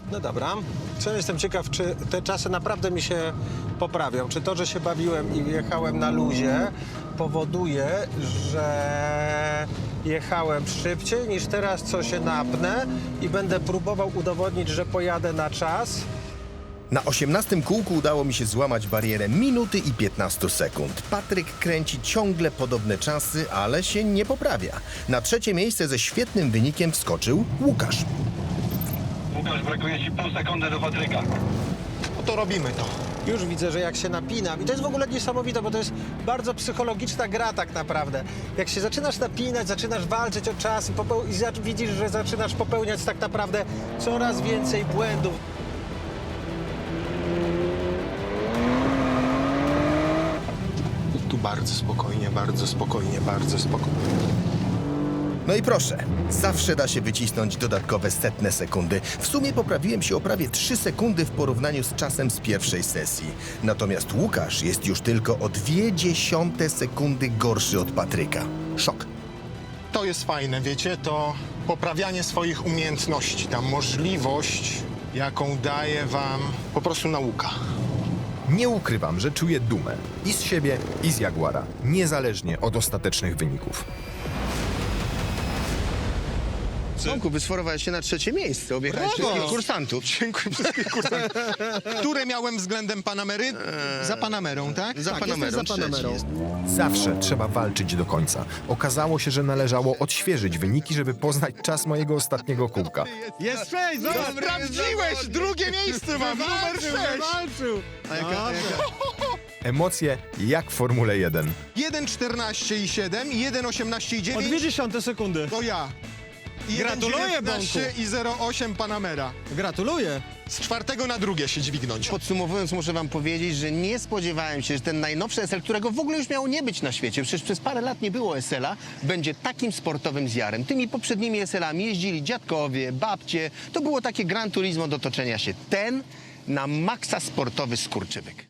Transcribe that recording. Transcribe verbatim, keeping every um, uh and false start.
No dobra. Co jestem ciekaw, czy te czasy naprawdę mi się poprawią. Czy to, że się bawiłem i jechałem na luzie, powoduje, że jechałem szybciej niż teraz, co się napnę i będę próbował udowodnić, że pojadę na czas. Na osiemnastym kółku udało mi się złamać barierę minuty i piętnaście sekund. Patryk kręci ciągle podobne czasy, ale się nie poprawia. Na trzecie miejsce ze świetnym wynikiem wskoczył Łukasz. Łukasz, brakuje ci pół sekundy do Patryka. No to robimy to. Już widzę, że jak się napinam, i to jest w ogóle niesamowite, bo to jest bardzo psychologiczna gra tak naprawdę. Jak się zaczynasz napinać, zaczynasz walczyć o czas i, popeł- i za- widzisz, że zaczynasz popełniać tak naprawdę coraz więcej błędów. Tu bardzo spokojnie, bardzo spokojnie, bardzo spokojnie. No i proszę, zawsze da się wycisnąć dodatkowe setne sekundy. W sumie poprawiłem się o prawie trzy sekundy w porównaniu z czasem z pierwszej sesji. Natomiast Łukasz jest już tylko o dwie dziesiąte sekundy gorszy od Patryka. Szok. To jest fajne, wiecie, to poprawianie swoich umiejętności, ta możliwość, jaką daje wam po prostu nauka. Nie ukrywam, że czuję dumę i z siebie, i z Jaguara, niezależnie od ostatecznych wyników. Tomku, wysforowałeś się na trzecie miejsce, objechałeś Brawo! wszystkich kursantów. Dziękuję wszystkich kursantów. Które miałem względem Panamery? Za Panamerą, tak? Za Tak, Panamerą, jesteś za trzeci Panamerą. jest. Zawsze trzeba walczyć do końca. Okazało się, że należało odświeżyć wyniki, żeby poznać czas mojego ostatniego kółka. Jest sześć, No, sprawdziłeś! Drugie miejsce mam, numer sześć! A jaka, jaka? Emocje jak w Formule jeden. jeden czternaście i siedem, jeden osiemnaście i O dziewięć dwie dziesiąte sekundy. to ja. I Gratuluję, jeden dziewiętnaście Bąku. i zero osiem Panamera. Gratuluję. Z czwartego na drugie się dźwignąć. Podsumowując, muszę wam powiedzieć, że nie spodziewałem się, że ten najnowszy S L, którego w ogóle już miało nie być na świecie, przecież przez parę lat nie było S L-a, będzie takim sportowym zjarem. Tymi poprzednimi S L-ami jeździli dziadkowie, babcie. To było takie Gran Turismo do toczenia się. Ten na maksa sportowy skurczybyk.